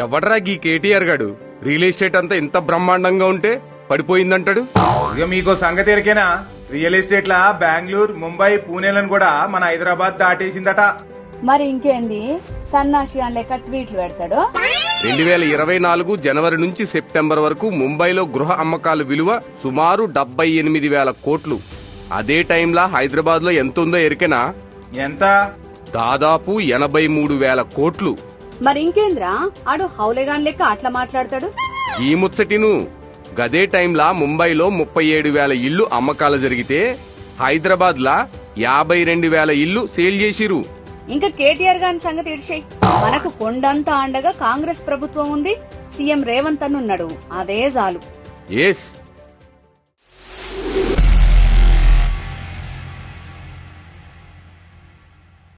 ఎవడ్రా గీ కేటీఆర్ గాడు real estate అంతా ఇంత బ్రహ్మాండంగా ఉంటే పడిపోయిందంటాడు. ఇక మీకు సంగతి ఎరికేనా, రియల్ ఎస్టేట్ లా బెంగళూరు, ముంబై, పూణేలను కూడా మన హైదరాబాద్ దాటేసిందట. మరి ఇంకేంది సన్నాసి అని లెక్క ట్వీట్లు పెడతాడు. 2024 జనవరి నుంచి సెప్టెంబర్ వరకు ముంబైలో గృహ అమ్మకాల విలువ సుమారు 78,000 కోట్లు. అదే టైంలా హైదరాబాద్ లో ఎంత ఉందో ఎరికెనా? ఎంత? దాదాపు 83,000 కోట్లు. మరి ఇంకేంద్రా ఆడు హౌలేగాన్ లెక్క అట్లా మాట్లాడతాడు. ఈ ముచ్చటిను గదే టైంలా ముంబైలో 37,000 ఇళ్లు అమ్మకాలు జరిగితే హైదరాబాద్ లా 52,000 ఇళ్లు సేల్ చేసిరు. ఇంకా కేటీఆర్ గారి సంగతి ఇడిచేయి. మనకు కొండంతా అండగా కాంగ్రెస్ ప్రభుత్వం ఉంది, సీఎం రేవంత్ అని ఉన్నాడు, అదే చాలు. ఎస్